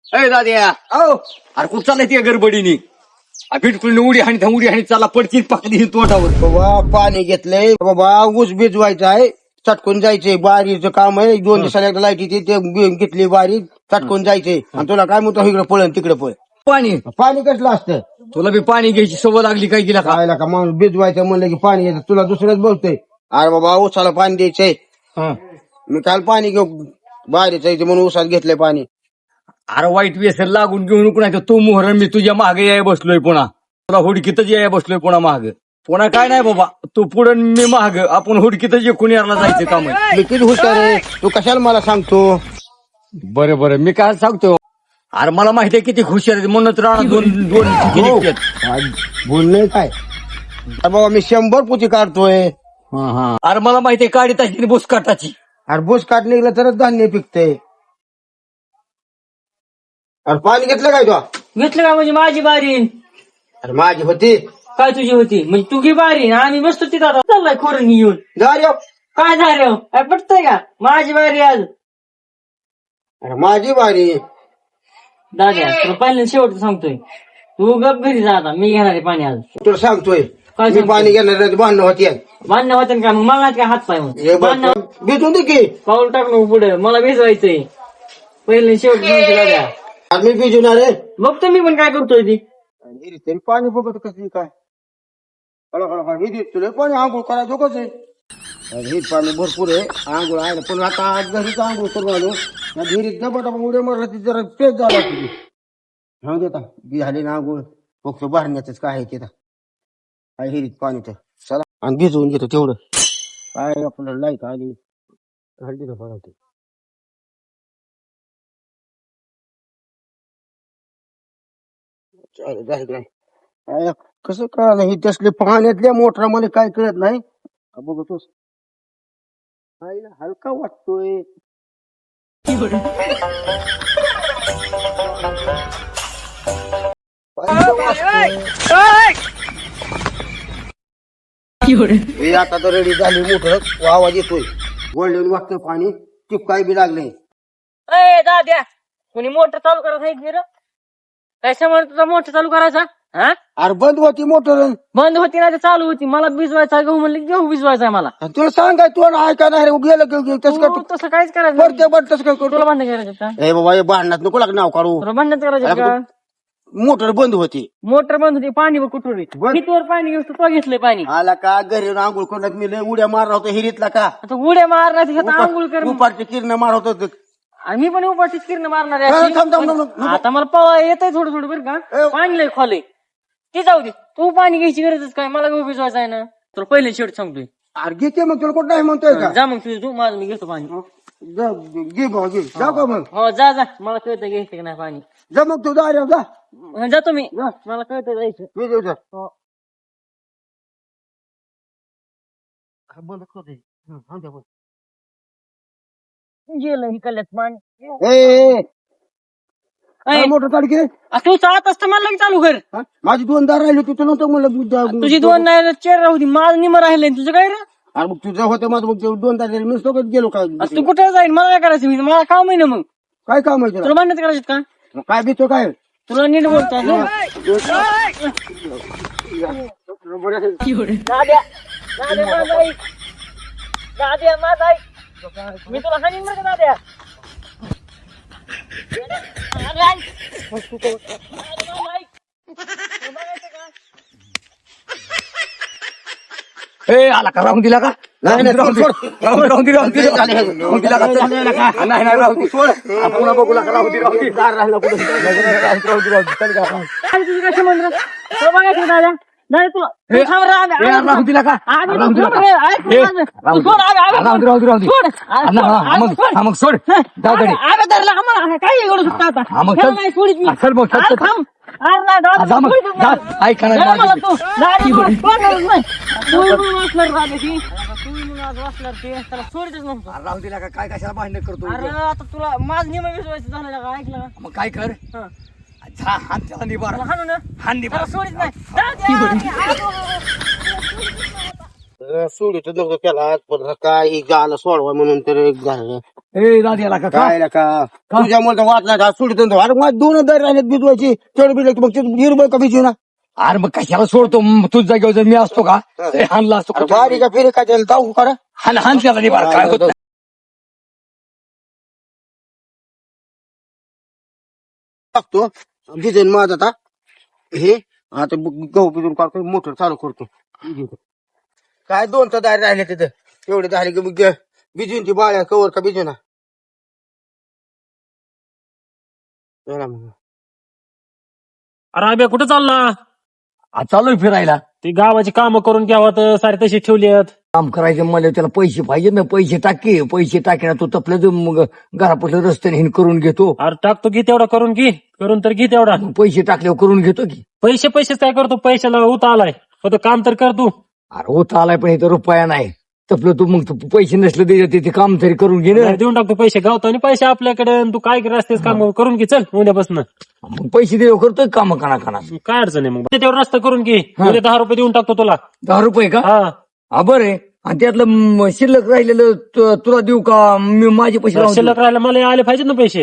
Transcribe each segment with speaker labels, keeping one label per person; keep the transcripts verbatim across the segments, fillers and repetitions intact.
Speaker 1: अरे दाद्या
Speaker 2: अहो
Speaker 1: अरे कुठं चाललाय ते गडबडीने बिटकुल उडी हाणी उडी हाणी चालला पडची पाकली तोंडावर.
Speaker 2: बाबा पाणी घेतलंय बाबा, ऊस भिजवायचा आहे, चटकून जायचंय, बारीचं काम आहे. दोन दिवसाला एकदा लाईट येते, ते बी- घेतली बारी, चटकून जायचंय. आणि तुला काय म्हणतो इकडे पळण तिकडे पळ.
Speaker 1: पाणी
Speaker 2: पाणी कसलं असतं?
Speaker 1: तुला बी पाणी घ्यायची सवय लागली काय तिला का?
Speaker 2: खायला का माणूस भिजवायचं म्हणलं की पाणी येतं, तुला दुसरंच बोलतोय. अरे बाबा ऊसाला पाणी द्यायचंय,
Speaker 1: हं.
Speaker 2: मी काल पाणी घेऊ बारीचं आहे म्हणून ऊसात घेतलंय पाणी.
Speaker 1: अरे वाईट व्यसन लागून घेऊन नको नाही तर तू मोहर मी तुझ्या मागे याय बसलोय पुन्हा. तुला हुडकीतच याय बसलोय पुन्हा माग. पुन्हा काय नाही बाबा, तू पुढं मी माग, आपण हुडकीतच एकूण यायला जायचं काम आहे.
Speaker 2: मी किती हुशार आहे, तू कशाला मला सांगतो?
Speaker 1: बरं बरं मी काय सांगतो, अरे मला माहिती आहे किती हुशार आहे म्हणूनच राणा दोन दोन ठिकी
Speaker 2: हो.
Speaker 1: निघतात.
Speaker 2: आज बोलणं काय अरे बाबा, मी शंभर पुती काढतोय.
Speaker 1: हं, हं. अरे मला माहिती आहे काढी ताची बुस काटाची.
Speaker 2: अरे बोस काट निघलं तरच धान्य पिकतंय. अरे पाणी घेतलं काय तू?
Speaker 3: घेतलं का म्हणजे माझी बारी
Speaker 2: अरे माझी होती.
Speaker 3: काय तुझी होती म्हणजे तू घे बारी आम्ही बसतो तिथं आता चाललाय खोरण येऊन.
Speaker 2: जा रे.
Speaker 3: काय झालं काय पटतंय का माझी बारी आज.
Speaker 2: अरे माझी बारी.
Speaker 3: दाद्या तुला पहिल्यांदा शेवट सांगतोय, तू गप घरी जा आता, मी घेणार आहे पाणी आज.
Speaker 2: तुला सांगतोय
Speaker 3: काय
Speaker 2: मी
Speaker 3: सांगतोय?
Speaker 2: पाणी घेणार भांडणं होती.
Speaker 3: बांधणं होतं का मग मला नाही काय हात पाय मग
Speaker 2: हे बघ,
Speaker 3: बांधणं
Speaker 2: भिजून दे की.
Speaker 3: पाऊल टाक नको पुढे, मला भिजवायचंय. पहिले शेवट सांगतो दाद्या,
Speaker 2: अरे मी भिजवणार आहे.
Speaker 3: बघतो मी पण काय करतोय ती.
Speaker 2: आणि तरी पाणी बघत कसली काय हळू हळू हळू हे तुला पाणी आंघोळ करा दोघच आहे. अरे हे पाणी भरपूर आहे, आंघोळ आहे ना. पण आता आज घरीच आंघोळ करून आलो ना, विहिरीत डबा डबा उड्या मारला ती जरा पेज झाला तुझी. हा देता बी झाली ना आंघोळ, फक्त भरण्याच काय आहे तिथं काय हिरीत पाणी तर चला आणि भिजवून घेतो तेवढं. काय आपल्याला लाईट आली हल्ली तर बघा. चालेल जाय काय. काय कसं कळलं हे तसले पाण्यातल्या मोटरा मध्ये काय कळत नाही का बघतोस. आईला हलका वाटतोय. हे आता तर रेडी झाली मोटर, आवाज येतोय, गोल्डन वाटतोय पाणी, टिप काय बी लागले.
Speaker 3: अय दाद्या कोणी मोटर चालू करायचं आहे रे? काय समोर तुझा मोटर चालू करायचा? हा
Speaker 2: अरे बंद होती मोटर.
Speaker 3: बंद होती ना ते चालू होती. मला भिजवायचा गहू म्हणलं की गहू भिजवायचा मला.
Speaker 2: तुला सांगाय तू ऐका नाही रे, गेलं गेलं तसं
Speaker 3: तू
Speaker 2: करतो
Speaker 3: तसं काहीच करायचं
Speaker 2: बरं
Speaker 3: नाही.
Speaker 2: ते बरं तसं काय
Speaker 3: तुला
Speaker 2: करतो.
Speaker 3: भांडण करायचं का?
Speaker 2: ए बाबा हे भांडणात नको लाग नाव काढू.
Speaker 3: तुला भांडण करायचं का?
Speaker 2: मोटर बंद होती.
Speaker 3: मोटर बंद होती, पाणी बघ कुठून
Speaker 2: बंद.
Speaker 3: कितीवर पाणी घेऊ तू घेतलंय पाणी.
Speaker 2: आला का घरी आंघोळ करण्यात मी लय उड्या मारला होता हिरीतला का.
Speaker 3: आता उड्या मारणार तिथं आंघोळ कर.
Speaker 2: उपारचे किरण मार होत.
Speaker 3: आणि मी पण उपाशीच किरण मारणार आहे
Speaker 2: थांब,
Speaker 3: अशी.
Speaker 2: थांब, थांब,
Speaker 3: पण
Speaker 2: थांब, थांब.
Speaker 3: आता मला पवा येतंय थोडं थोडं बरं का.
Speaker 2: ए.
Speaker 3: पाणी लय खोलय ती जाऊ दे, तू पाणी घ्यायची गरजच काय, मला गहू भिजवायचा आहे ना. तुला पहिले शेवट सांगतोय.
Speaker 2: अरे घेते मग तुला कुठं नाही म्हणतोय का.
Speaker 3: जा मग तुझं तू, माझं मी घेतो पाणी.
Speaker 2: जा, घे भाऊ घे जा का मग.
Speaker 3: हो जा जा, मला कळतं घ्यायचं की नाही पाणी.
Speaker 2: जा मग तू जा रे, जा
Speaker 3: हा, जातो मी,
Speaker 2: जा.
Speaker 3: मला कळतं जायचं.
Speaker 2: मी देऊ जा.
Speaker 3: हो.
Speaker 2: बंद कर.
Speaker 3: गेलं हिकल्यात पाणी.
Speaker 2: ए, ए,
Speaker 3: अय,
Speaker 2: मोटर काढ की.
Speaker 3: आ, तू चालत असतं मला लगेच चालू कर.
Speaker 2: हा? माझी दोन दार राहिली तू नव्हतं म्हणलं.
Speaker 3: तुझी दोन नाही चेर राहू दे, माझं निम राहिलंय तुझं काय रे.
Speaker 2: अरे मग तुझं होतं माझं मग ते दोन तास मी सोबत गेलो काय.
Speaker 3: आ, तू कुठे जाईल, मला काय करायचं, मी मला काम आहे ना. मग
Speaker 2: काय काम आहे तुला.
Speaker 3: तुला भांडण करायचं का?
Speaker 2: मग काय भीतो काय.
Speaker 3: तुला नीट बोलता दाद्या दाद्या माझा ऐक. दाद्या माझा ऐक. मी तुला हाणीन बरं का दाद्या. अरे ऐक. दाद्या माझं ऐक. तुला बघायचं का?
Speaker 1: ए आला का राहून दिला का?
Speaker 2: नाही, नाही,
Speaker 1: राहून दे,
Speaker 2: सोड.
Speaker 1: राहून दे, राहून दे, राहून दे,
Speaker 2: लय झाले.
Speaker 1: राहून दिला का?
Speaker 2: लय झाले का?
Speaker 1: नाही नाही राहू दे, सोड. आपण पुन्हा बघू नका, राहू दे, राहू दे.
Speaker 2: दार राहिला कुठं.
Speaker 1: राहू दे, राहू दे, राहू दे, चल का.
Speaker 3: काय तुझं काय संबंध रे? तुला बघायचं का दाद्या? नाही तुला तू
Speaker 1: ए,
Speaker 3: थांब रे, आम्ही-
Speaker 1: ए,
Speaker 3: आम्ही-
Speaker 1: राहून दिला का?
Speaker 3: आम्ही
Speaker 1: राहून
Speaker 3: तू
Speaker 1: दिला
Speaker 3: थांब
Speaker 1: का?
Speaker 3: रे, ऐक
Speaker 1: ए,
Speaker 3: माझं.
Speaker 1: राहून
Speaker 3: तू सोड, आम्ही- आम्ही-
Speaker 1: राहून दे, राहू दे, राहू दे.
Speaker 3: सोड.
Speaker 1: हा, ना, हा, हा, मग हा, मग सोड. जा घरी.
Speaker 3: आम्ही धरलं, आम्हाला काय एवढं सुटतं आता?
Speaker 1: हा, मग
Speaker 3: त्याला
Speaker 1: चल.
Speaker 3: नाही सोडीत मी.
Speaker 1: हा, चल मग, चल,
Speaker 3: अरे
Speaker 1: चल.
Speaker 3: थांब. अरे नाही, दादा,
Speaker 1: हा, जा मग,
Speaker 3: सोडीत
Speaker 1: जा.
Speaker 3: नाही.
Speaker 1: ऐक ना,
Speaker 3: धर मला
Speaker 1: माझी-
Speaker 3: तू. दादा, मला सोडणारच नाही. तू म्हणून वाचणार राहते ती. तू म्हणून आज वाचणार ते. त्याला सोडीतच नव्हतं.
Speaker 1: अरे राहू दिला का? काय कशाला भांडण करतो.
Speaker 3: अरे आता तुला माझं नियम विश्वास झालं का? ऐकलं का?
Speaker 1: मग काय कर.
Speaker 3: हं.
Speaker 1: जा, हात त्याला निभार.
Speaker 3: मला हाणू ना.
Speaker 1: हात निभार.
Speaker 3: त्याला सोडीत नाही. दादा,
Speaker 2: सोडित नव्हतं त्याला पण काय झालं सोडवा म्हणून तर एक झालं.
Speaker 1: ए दाद्याला का
Speaker 2: काय रे का
Speaker 1: का?
Speaker 2: तुझ्यामुळे तर वाटला का सुटतो तो. अरे मग दोन दर राहिलेत भिजवायची तेवढं भिजलं की मग ते निर्भय का भिजू ना.
Speaker 1: अरे मग कशाला सोडतो म, तुझ जागेवर जर मी असतो का ए, हाणला असतो
Speaker 2: अरे बारी का फिरे काय त्याला जाऊ करा
Speaker 1: हान हान त्याला नाही बरं, काय होत नाही.
Speaker 2: टाकतो भिजेन माझ आता हे आता गहू भिजून काढतो मोटर चालू करतो. काय दोन तर दारी राहिले तिथं तेवढे झाले की मग भिजून ती बाळ्या कवर का भिजू ना. चला मग.
Speaker 3: अरे अभ्या कुठं चालला?
Speaker 1: आ, चालू आहे फिरायला.
Speaker 3: ती गावाची कामं करून घ्यावं तर सारे तशी ठेवली आहेत.
Speaker 1: काम करायचं मला त्याला पैसे पाहिजे ना, पैसे टाके पैसे टाके ना, तो तपलं मग घरापासून रस्त्याने हिन करून घेतो.
Speaker 3: अरे टाकतो घे तेवढा करून घे करून तर घे तेवढा.
Speaker 1: मग पैसे टाकल्यावर करून घेतो की.
Speaker 3: पैसे पैसेच काय करतो? पैशाला उता आलाय फक्त काम तर कर तू.
Speaker 1: अरे होत आलाय पण इथं रुपया नाही तपलं तू मग तू पैसे नसले दे ते काम तरी करून घे ना.
Speaker 3: नाही, देऊन टाकतो पैसे गावतो आणि पैसे आपल्याकडे आणि तू काय रस्त्याच काम करून घे चल उद्यापासून.
Speaker 1: मग पैसे देऊ करतोय काम कणा कणा.
Speaker 3: काय अडचण आहे मग तेवढा रस्ता करून घे. उद्या दहा रुपये देऊन टाकतो तुला.
Speaker 1: दहा रुपये का?
Speaker 3: हा
Speaker 1: हा बरं आहे. आणि त्यातलं म, शिल्लक राहिलेलं तु- तुला देऊ का मी माझे पैसे लावून देऊ?
Speaker 3: शिल्लक राहायला मला आले पाहिजेत ना पैसे.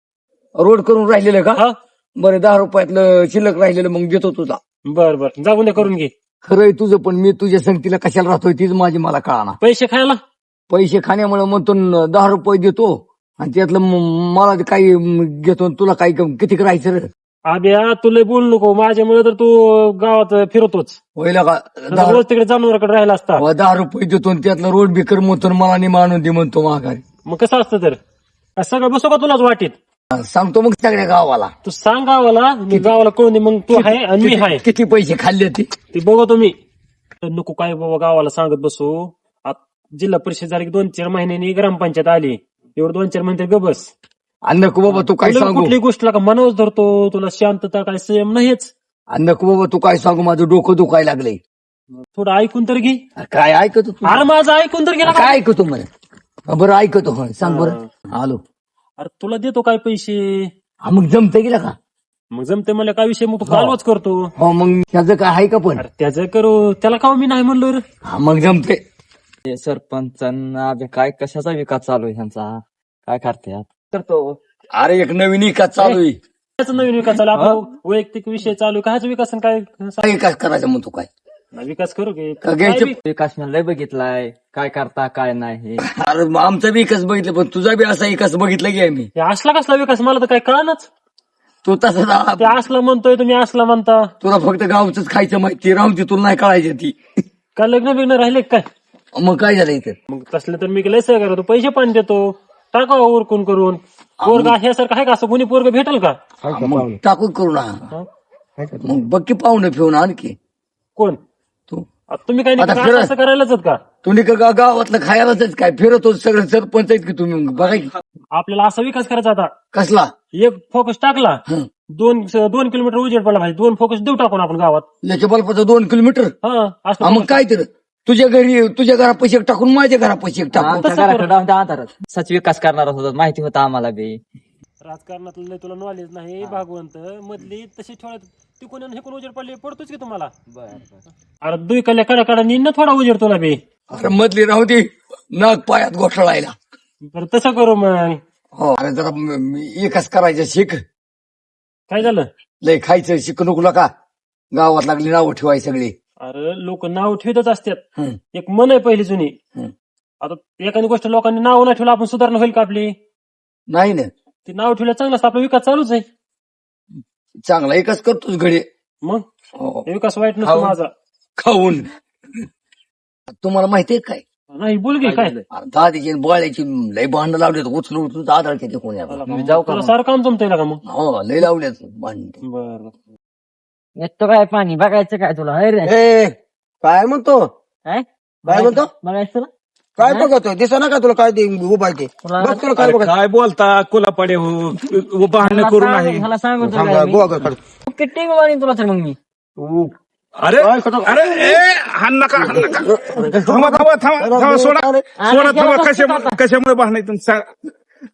Speaker 1: रोड करून राहिलेलं का?
Speaker 3: हा
Speaker 1: बरं दहा रुपयातलं शिल्लक राहिलेलं मग देतो तुझा.
Speaker 3: बर बर जा उद्या करून घे.
Speaker 1: खरंय तुझं पण मी तुझ्या संगतीला कशाला राहतोय तीच माझी मला कळाना.
Speaker 3: पैसे खायला
Speaker 1: पैसे खाण्यामुळे मग तो न- दहा रुपये देतो आणि त्यातलं म- मला ते काही म, घेतो आणि तुला काही किती करायचं रे?
Speaker 3: आब्या तुला बोलू नको माझ्यामुळे तर तू गावात फिरतोच.
Speaker 1: होईल का? दहा
Speaker 3: रोज तिकडे जनावराकडे राहिला असता.
Speaker 1: अहो, दहा रुपये देतो आणि त्यातलं रोड बिकर म्हणतो आणि मला नाही मानून दे म्हणतो माघारी.
Speaker 3: मग कसं असतं तर काय सगळं बसो का तुलाच वाटीत?
Speaker 1: सांगतो मग सगळ्या गावाला
Speaker 3: तू सांग गावाला मी गावाला कोण मग तू आहे आणि मी आहे
Speaker 1: किती पैसे खाल्ले ते.
Speaker 3: ते बघतो मी. तर नको काय बाबा गावाला सांगत बसू. आत जिल्हा परिषद झाली की दोन चार महिन्यांनी ग्रामपंचायत आली एवढं दोन चार महिने गबस.
Speaker 1: आणि नको बाबा तू काय
Speaker 3: तुला
Speaker 1: सांगू
Speaker 3: कुठली गोष्टला का मनोज धरतो तुला शांतता काय संयम नाहीच.
Speaker 1: आणि नको बाबा तू काय सांगू माझं डोकं दुखायला लागलंय.
Speaker 3: थोडं ऐकून तर घे.
Speaker 1: काय ऐकतो तू?
Speaker 3: अरे माझं ऐकून तर गेला.
Speaker 1: काय ऐकतो मला? बरं ऐकतो होय. सांग बरं. आलो.
Speaker 3: अरे तुला देतो काय पैसे
Speaker 1: हा मग जमतं गेला का?
Speaker 3: मग जमते मला काय विषय मग तू कालवाच करतो.
Speaker 1: हो मग त्याचं काय आहे का पण?
Speaker 3: अरे त्याचं करू त्याला का मी नाही म्हणलो रे.
Speaker 1: हा मग जमते.
Speaker 4: हे सरपंचांना अभि काय कशाचा विकास चालू आहे ह्यांचा काय करते करतो.
Speaker 1: अरे एक नवीन विकास चालू आहे.
Speaker 3: त्याचा नवीन विकास चालू आपला वैयक्तिक विषय चालू आहे. कायचा विकास आणि काय
Speaker 1: काय विकास करायचा म्हणतो काय?
Speaker 3: विकास करू की
Speaker 1: का घ्यायचं?
Speaker 4: विकास मी लय बघितलाय काय करता काय नाही.
Speaker 1: अरे मग आमचा विकास बघितला पण तुझा बी असा विकास बघितला की आम्ही.
Speaker 3: हे असला कसला विकास मला तर काय कळनाच.
Speaker 1: तू तसा
Speaker 3: ते असला म्हणतोय तुम्ही असला म्हणता.
Speaker 1: तुला फक्त गावच खायचं माहिती राहून ती तुला नाही कळायची ती.
Speaker 3: काय लग्न बिग्न राहिले का काय?
Speaker 1: मग काय झालं इथं?
Speaker 3: मग तसलं तर मी लय सहकार्य करतो पैसे पण देतो टाका उरकून करून. पोरगा ह्यासारखं आहे का असं कोणी पोरग भेटल का?
Speaker 1: मग टाकून करू ना.
Speaker 3: हा?
Speaker 1: मग बघ की पाहुणं फिरून आणखी
Speaker 3: कोण
Speaker 1: तू
Speaker 3: आता तुम्ही काय
Speaker 1: आता
Speaker 3: नाही
Speaker 1: फिरा.
Speaker 3: असं करायलाच आहेत का?
Speaker 1: तुम्ही का गा- गावातलं खायलाच काय फिरतो सगळं सरपंच आहेत की तुम्ही बघा की.
Speaker 3: आपल्याला असा विकास करायचा आता.
Speaker 1: कसला?
Speaker 3: एक फोकस टाकला
Speaker 1: हं.
Speaker 3: दोन दोन किलोमीटर उजेड पडला पाहिजे. दोन फोकस देऊ टाकून आपण गावात.
Speaker 1: याच्या बल्पाचं दोन किलोमीटर.
Speaker 3: हा
Speaker 1: हा
Speaker 3: असं
Speaker 1: मग काय तर तुझ्या घरी तुझ्या घरा पैसे टाकून माझ्या घरा पैसे टाकून.
Speaker 4: आमच्या घराकडे जाऊन त्या अंधारात सच विकास करणार होता माहिती होता आम्हाला बी.
Speaker 3: राजकारणातलं लय तुला नॉलेज नाही भागवंत मधली तशी ठेवण्यात तिकून आणि हिकून उजेड पडले पडतोच की तुम्हाला. अरे दुई कल्या कडा कडा ना थोडा उजेड तुला बी.
Speaker 1: अरे मधली राहू दे नाग पायात घोटाळायला.
Speaker 3: बरं तसं करू मग.
Speaker 1: हो अरे जरा म- मी एकच करायचं शिक.
Speaker 3: काय झालं?
Speaker 1: लय खायचं शिक नको का गावात लागली नावं ठेवाय सगळी.
Speaker 3: अरे लोक नाव ठेवतच असतात.
Speaker 1: हं.
Speaker 3: एक मन आहे पहिली जुनी.
Speaker 1: हं.
Speaker 3: आता एखादी गोष्ट लोकांनी नाव नाही ठेवलं आपण सुधारणा होईल का आपली?
Speaker 1: नाही ना
Speaker 3: ते नाव ठेवलं चांगलं असतं आपला विकास चालूच आहे.
Speaker 1: चांगला एकच करतोच घडी.
Speaker 3: मग
Speaker 1: हो.
Speaker 3: हे विकास वाईट नसतो
Speaker 1: खाऊन.
Speaker 3: माझा.
Speaker 1: खाऊन तुम्हाला माहितीये काय?
Speaker 3: नाही बोल घे काय.
Speaker 1: दादीची बोळ्याची लय भांडणं लावलेत उचलून उचलून आधार किती कोणी
Speaker 4: मी जाऊ का
Speaker 3: तुला
Speaker 4: मग?
Speaker 3: सारं काम जमतंय का मग?
Speaker 1: हो लय लावलेत भांडण.
Speaker 3: बरं
Speaker 4: येतो काय पाणी बघायचं काय तुला अरे
Speaker 2: ए काय म्हणतो
Speaker 4: काय
Speaker 2: काय म्हणतो
Speaker 4: बघायचं तुला
Speaker 2: काय बघतोय दिसा ना का तुला काय ते उभा आहे ते
Speaker 4: तुला-
Speaker 2: बघ तुला काय बघत
Speaker 5: काय बोलता कोलापाडे हो भांडण करू नाही.
Speaker 4: मला सांगू
Speaker 2: थांबा, गोवा कर, कर.
Speaker 4: किती वाणी तुला तर मग मी
Speaker 5: अरे अरे ए हाण नका हाण नका थांबा थांबा थांबा थांबा सोडा सोडा थांबा कशामुळे कशामुळे भांडायचं सांग.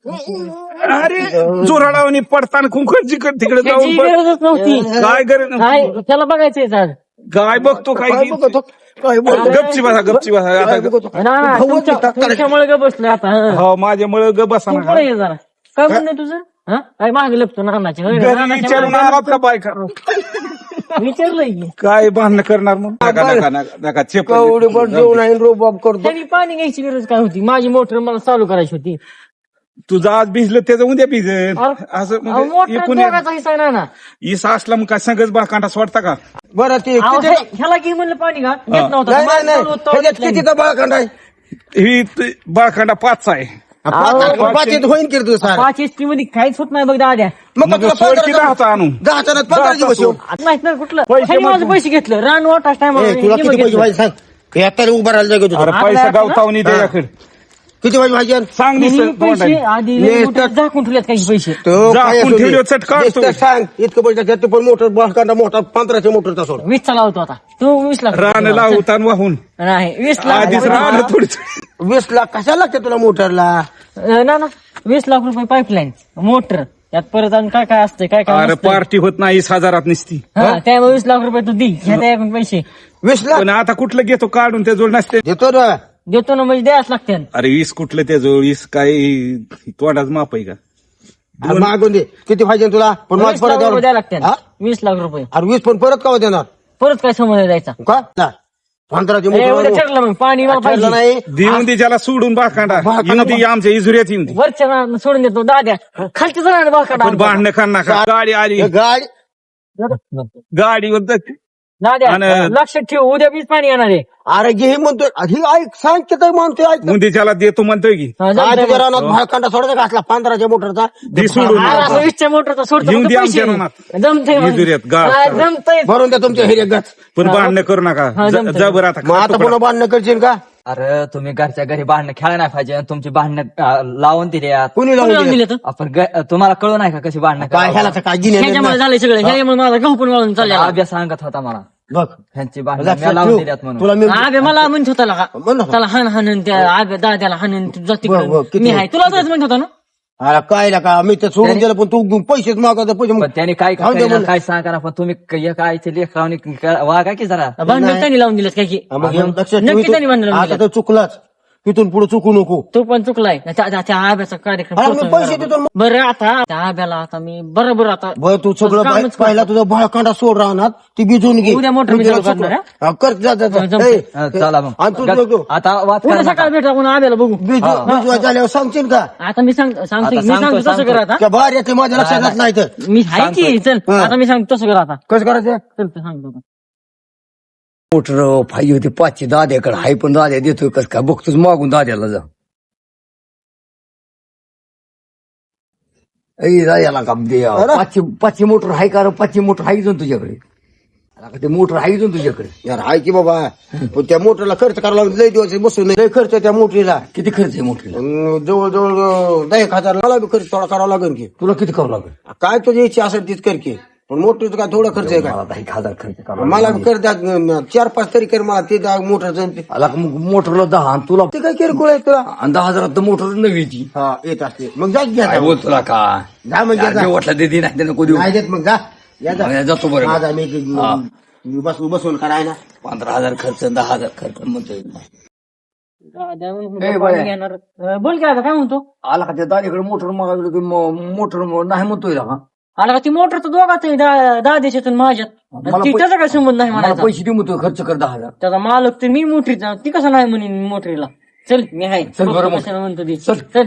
Speaker 5: अरे जोराडावणी पडताना कुंकड जिकड तिकडे
Speaker 3: त्याची
Speaker 5: जाऊन पड-
Speaker 3: गरजच नव्हती.
Speaker 5: काय गरज
Speaker 3: काय त्याला बघायचंय आज.
Speaker 5: काय बघतो काय
Speaker 2: काय बघतो काय बोलतो
Speaker 5: गपची बसा गपची बसा
Speaker 2: काय
Speaker 5: आता
Speaker 2: बघतो
Speaker 3: ना ना
Speaker 2: भाऊ
Speaker 3: तुमच्या-
Speaker 2: होता, करायचं.
Speaker 3: तुमच्यामुळे ग बसलोय आता हं.
Speaker 5: हो माझ्यामुळे ग बसा
Speaker 3: तू
Speaker 5: ना
Speaker 3: पुढे ये जरा काय म्हणणं तुझं हा काय मागे लपतो नानाच्या होय,
Speaker 5: घरी
Speaker 3: नानाच्या
Speaker 5: विचारून
Speaker 3: मागे
Speaker 5: आलात का बायका
Speaker 3: विचारलंय की
Speaker 5: काय भांडण करणार मग नका नका नका नका चेप
Speaker 2: एवढे बड जेवण आहे रोबाब करतो
Speaker 3: त्यांनी पाणी घ्यायची गरज काय होती माझी मोटर मला चालू करायची होती
Speaker 5: तुझं आज भिजलं त्याचं उद्या भिजल असं
Speaker 3: अहो,
Speaker 5: म्हणजे
Speaker 3: मोटर
Speaker 5: एकूण
Speaker 3: दोघाचा हिस्सा आहे ना ना
Speaker 5: इसा असला मग काय संगच बाकांडा सोडता का
Speaker 2: बरं ते
Speaker 3: अहो,
Speaker 2: किती-
Speaker 3: हे- ह्याला की म्हणलं पाणी का घेत नव्हतं
Speaker 2: नाही नाही
Speaker 3: माझं
Speaker 2: नाही
Speaker 3: चालू होतं,
Speaker 2: ह्याच्यात
Speaker 3: घेतलं
Speaker 2: कितीचा बाळखंड आहे
Speaker 5: ही त- बाळखांडा पाच आहे
Speaker 2: पाच- पाचीत होईन की रे तुझं सारं.
Speaker 3: पाच एसटी मध्ये काहीच होत नाही बघ दाद्या
Speaker 2: मग
Speaker 5: मग
Speaker 2: तुला
Speaker 5: सोड
Speaker 2: पंधरा
Speaker 5: की
Speaker 2: दिवस-
Speaker 5: दहाचा आणू
Speaker 2: दहा जणात पंधरा
Speaker 5: दहाचा
Speaker 2: दिवस येऊ
Speaker 5: सोड.
Speaker 3: आता माहित नाही कुठलं
Speaker 5: पैसे
Speaker 3: ह्याने माझं
Speaker 5: मग-
Speaker 3: पैसे घेतलं रान वाटाच
Speaker 2: ए, तुला किती पैसे पाहिजे सांग यात्रा उभा राहायला जागा
Speaker 5: अरे
Speaker 2: तुझं
Speaker 5: पैसा
Speaker 3: आता
Speaker 5: गावतावनी द्याकडे
Speaker 2: किती पैसे पाहिजे
Speaker 5: सांग
Speaker 3: पैसे
Speaker 5: निसर्ग
Speaker 3: आधी
Speaker 2: ने-
Speaker 3: मोठे झाकून ठेवलेत काही पैसे
Speaker 2: तो
Speaker 5: जा,
Speaker 2: काय
Speaker 5: आपण
Speaker 2: असू दे.
Speaker 5: ठेवलं चट काढतो.
Speaker 2: नुसतं सांग इतकं पैसे घेते पण मोटर बाळखंडा मोठा पंधराच्या मोटरचा सोड
Speaker 3: वीस चा लावतो आता तू वीस लाख
Speaker 5: रान लावता आणि वाहून
Speaker 3: नाही वीस लाख
Speaker 5: आधीच
Speaker 3: रुपये-
Speaker 5: रान थोडी
Speaker 2: वीस लाख कशाला लागते तुला मोटरला
Speaker 3: अं, ना ना वीस लाख रुपये पाईपलाईन मोटर त्यात परत आणि काय काय असतंय काय काय
Speaker 5: अरे
Speaker 3: नसतंय.
Speaker 5: पार्टी होत नाही वीस हजारात निसती
Speaker 3: हा त्यामुळे वीस लाख रुपये तू दे घ्या त्याकडून पैसे
Speaker 2: वीस लाख
Speaker 5: पण आता कुठलं घेतो काढून त्या जोड नसते
Speaker 2: देतो ना
Speaker 3: देतो ना म्हणजे द्यायच लागते
Speaker 5: अरे वीस कुठलं त्या जोड वीस काय तोंडाच माप आहे का
Speaker 2: अरे मागून दे किती पाहिजे तुला पण माझ
Speaker 3: वीस लाख
Speaker 2: परत
Speaker 3: रुपये द्यायला
Speaker 2: द्यावं.
Speaker 3: लागते
Speaker 2: हा?
Speaker 3: वीस लाख रुपये
Speaker 2: अरे वीस पण परत का देणार
Speaker 3: परत काय समज द्यायचा
Speaker 2: का ना. पंधराची
Speaker 3: ए, उद्या
Speaker 2: मोटर
Speaker 3: ठरलं मग पाणी मला
Speaker 2: ठरलं
Speaker 3: पाहिजे
Speaker 2: नाही
Speaker 5: देऊन दे ज्याला सोडून बाकांडा
Speaker 2: बाकांडा-
Speaker 5: येऊन दे आमच्या इजुऱ्यात येऊन दे
Speaker 3: वरच्या ना- सोडून देतो दाद्या खालच्या जरा बाकडा
Speaker 5: पण भांडणं कर नका गाडी आली
Speaker 2: हे गाडी
Speaker 5: गाडीवर
Speaker 3: दाद्या
Speaker 5: आणि-
Speaker 3: लक्षात ठेव उद्या बीच पाणी येणार आहे
Speaker 2: अरे घे म्हणतोय ही ऐक सांग की तर म्हणतोय ऐक
Speaker 5: उंदीच्याला देतो म्हणतोय की
Speaker 3: हा,
Speaker 2: काय
Speaker 3: जमतंय
Speaker 2: तुझ्या
Speaker 3: मग.
Speaker 2: रानात भाळखंडा सोडायचा का असला पंधराच्या मोटरचा
Speaker 5: दे सोडून
Speaker 3: हा, असं वीसच्या मोटरचा सोडतो
Speaker 5: येऊन
Speaker 3: फक्त
Speaker 5: दे
Speaker 3: पैसे.
Speaker 5: आमच्या रानात.
Speaker 3: जमतंय मग.
Speaker 5: इजुऱ्यात गाळ.
Speaker 3: हा, जमतंय
Speaker 2: भरून द्या तुमच्या हिरे गच
Speaker 5: पण भांडणं करू नका
Speaker 3: हा,
Speaker 5: ज-
Speaker 3: जमतंय.
Speaker 5: जबर आता
Speaker 2: मग आता पुन्हा बांधणं करशील का
Speaker 4: अरे तुम्ही घरच्या घरी भांडणं खेळा नाही पाहिजे आणि तुमची भांडणं अं, लावून दिली यात.
Speaker 2: कुणी
Speaker 3: कोणी
Speaker 2: लावून
Speaker 3: लावून
Speaker 2: दिलं?
Speaker 3: दिलं तर
Speaker 4: आपण ग- तुम्हाला कळू नाही का कशी भांडणं
Speaker 2: काय ह्याला तर काय गिन्या
Speaker 3: ह्याच्यामुळे
Speaker 2: नाही.
Speaker 3: झालंय सगळं ह्याच्यामुळे माझा गहू पण वाळून चालला
Speaker 4: अभ्यास सांगत होता मला
Speaker 2: बघ
Speaker 4: ह्यांची भांडणं
Speaker 2: लक्षात
Speaker 4: मी लावून
Speaker 2: ठेव.
Speaker 4: दिल्यात म्हणून
Speaker 2: तुला मी
Speaker 3: आबे मला म्हणत होता का
Speaker 2: म्हण ना.
Speaker 3: त्याला हान हाणून त्या आबे दाद्याला हाणून तू जा
Speaker 2: बरं, बरं,
Speaker 3: तिकडं
Speaker 2: किती
Speaker 3: मी आहे तुला तसंच म्हणत होता ना
Speaker 2: अरे काय ला का मी तर सोडून दिलं पण तू पैसेच मागवतो पैसे
Speaker 4: पण त्याने काय
Speaker 2: खाऊन दे
Speaker 4: करीना,
Speaker 2: म्हणलं.
Speaker 4: काय सांगा ना पण तुम्ही क- काय लेखरावणी वागा की जरा
Speaker 3: भांडण त्यांनी लावून दिलं काय की
Speaker 2: हा, मग हे लक्षात ठेव
Speaker 3: नक्की
Speaker 2: इथून-
Speaker 3: त्यांनी भांडण लावून
Speaker 2: आता
Speaker 3: दिलं
Speaker 2: तर चुकलाच इथून पुढे चुकू नको
Speaker 3: तो पण चुकलाय त्या त्या- त्या आब्याचा कार्यक्रम
Speaker 2: अरे मी
Speaker 3: करतोय
Speaker 2: पैसे
Speaker 3: बरोबर.
Speaker 2: देतो मग.
Speaker 3: बरं आता त्या आब्याला आता मी बरोबर आता
Speaker 2: बरं तू सगळं
Speaker 3: कामच
Speaker 2: बाहेर-
Speaker 3: करतो.
Speaker 2: पहिला तुझा भाळखंडा सोड राहणार ती भिजून घे
Speaker 3: उद्या मोटर
Speaker 2: तू
Speaker 3: मी
Speaker 2: तिला
Speaker 3: चालू करणार,
Speaker 2: चुकलं. हा, कर जा जा जा.
Speaker 3: हा, जमतंय.
Speaker 2: ए,
Speaker 4: अं, चला मग
Speaker 2: आणि तू
Speaker 4: गप-
Speaker 2: नको.
Speaker 4: आता वाद
Speaker 3: उद्या
Speaker 4: करा
Speaker 3: सकाळ
Speaker 4: नका.
Speaker 3: भेटा आपण आब्याला बघू
Speaker 2: भिजू भिजवा झाल्यावर सांगशील का
Speaker 3: आता मी सांग सांगतो
Speaker 4: आता
Speaker 3: मी सांगतो
Speaker 4: सांगतो,
Speaker 3: तसं
Speaker 4: सांगतो.
Speaker 3: कर आता
Speaker 2: त्या बाहेर येते माझ्या लक्षात नाही तर
Speaker 3: मी आहे की चल
Speaker 2: हा.
Speaker 3: आता मी सांगतो तसं कर आता
Speaker 2: कसं करायचं
Speaker 3: चल ते सांगतो आता.
Speaker 1: मोटर फाई होती पाचशे दाद्याकडे हाय पण दाद्या देतोय कस काय बघतोच मागून दाद्याला जा ऐ दाद्याला का दे
Speaker 2: अरे.
Speaker 1: पाचशे पाचशे मोटर हाय का रे? पाचशे मोटर हाय जाऊन तुझ्याकडे अला का ते मोटर हाय जाऊन तुझ्याकडे
Speaker 2: यार हाय की बाबा पण त्या मोटरला खर्च करायला लागला लय दिवस बसून नाही लय खर्च आहे त्या मोटरीला
Speaker 1: किती खर्च आहे मोटरीला
Speaker 2: अं, जवळजवळ दहा एक हजार मला बी खर्च थोडा करावा लागेल की
Speaker 1: तुला किती करावं लागेल
Speaker 2: काय तुझी इच्छा असेल तीच कर की पण मोटरीचं काय थोडा खर्च आहे का
Speaker 1: मला दहा एक हजार खर्च करावा
Speaker 2: मला बी कर द्या अं, चार पाच तरी कर मला ते दहा मोटरचं ते
Speaker 1: आला का मग मोटरला दहा आणि तुला
Speaker 2: ते काय किरकोळ आहे तुला
Speaker 1: आणि दहा हजारात तर मोटर नवीची
Speaker 2: हा येत असते मग जा घ्या
Speaker 1: काय
Speaker 2: जा.
Speaker 1: बोल तुला का
Speaker 2: जा मग घ्या जा.
Speaker 1: वाटलं ते नाही नको देऊ
Speaker 2: नाही देत मग जा या जा
Speaker 1: मग जातो बरं
Speaker 2: माझा मी
Speaker 1: हा.
Speaker 2: मी बसून बसून करायला
Speaker 1: पंधरा हजार खर्च दहा हजार खर्च म्हणतोय
Speaker 3: दाद्या म्हणून
Speaker 1: ए,
Speaker 3: पाणी
Speaker 1: बाया.
Speaker 3: घेणार. अं, बोल काय आता काय म्हणतो
Speaker 1: आला का त्या दारीकडे मोटर मागायला की मोटर नाही म्हणतोय का
Speaker 3: आला का ती मोटर तर दोघात आहे दा- दहा देशातून माझ्यात
Speaker 1: मला
Speaker 3: आणि ती
Speaker 1: पै-
Speaker 3: त्याचा काय संबंध नाही
Speaker 1: मला
Speaker 3: म्हणायचा
Speaker 1: पैसे दे म्हणतोय खर्च कर दहा हजार
Speaker 3: त्याचा मालक तर मी मोटरीचा ती कसं नाही म्हणेन मोटरीला चल मी आहे
Speaker 1: चल बरं मग.
Speaker 3: कशाला म्हणतो ती.
Speaker 1: चल.
Speaker 3: चल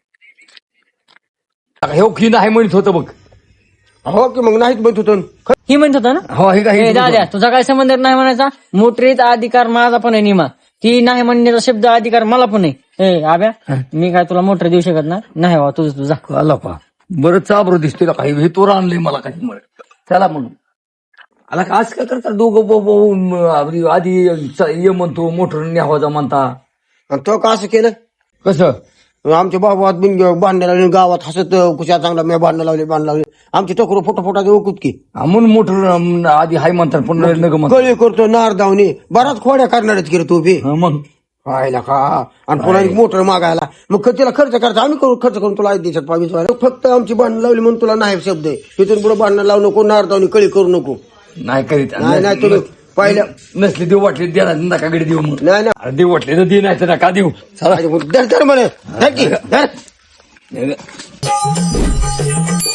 Speaker 1: हे की नाही म्हणत होतं बघ
Speaker 2: हो की मग नाहीत म्हणत होतो
Speaker 3: ही म्हणत होता ना
Speaker 1: हो हे
Speaker 3: ए,
Speaker 1: काय
Speaker 3: दाद्या तुझा काय संबंध नाही म्हणायचा मोटरीचा अधिकार माझा पण आहे निमा ती नाही म्हणण्याचा शब्द अधिकार मला पण आहे ए आब्या मी काय तुला मोटर देऊ शकत ना नाही बाबा तुझं तुझा
Speaker 1: आला पा बरं चाबर दिसतोय काही हे तो आणलंय मला काही म्हणत त्याला म्हणून आला का आज काय करता दोघं ब- ब- म- आधी च- ये म्हणतो मोटर न्यावाजा म्हणता
Speaker 2: आणि तो का असं केलं
Speaker 1: कसं
Speaker 2: आमच्या बाबात बिन बांधण्या लावले गावात हसत कुशा चांगला मी बांधणं लावले बांधणं लावले आमची टकरू फोटो फोटा ओकूत की
Speaker 1: हा, म्हणून मोटर अं, आधी हाय म्हणतात पण नग म्हणतात
Speaker 2: गळी करतो नार धावणी बराच खोड्या करणार आहेत की रे तू बी
Speaker 1: हा, मग
Speaker 2: पाहिला का आणि पुन्हा एक मोटर मागायला मग तिला खर्च करायचा आम्ही करू खर्च करून तुला देशात पावीस वाला फक्त आमची बांधणं लावली म्हणून तुला नाही शब्द आहे तिथून पुढे बांधणं लावू नको नार धावणी कळी करू नको
Speaker 1: नाही करीत
Speaker 2: नाही नाही तुम्ही पहिल्या
Speaker 1: नसले देऊ वाटले द्या नकाकडे देऊ मग
Speaker 2: नाही
Speaker 1: अरे देऊ वाटले तर दे नाही तर नका देऊ चला
Speaker 2: नाही धर धर म्हणे धर की, धर.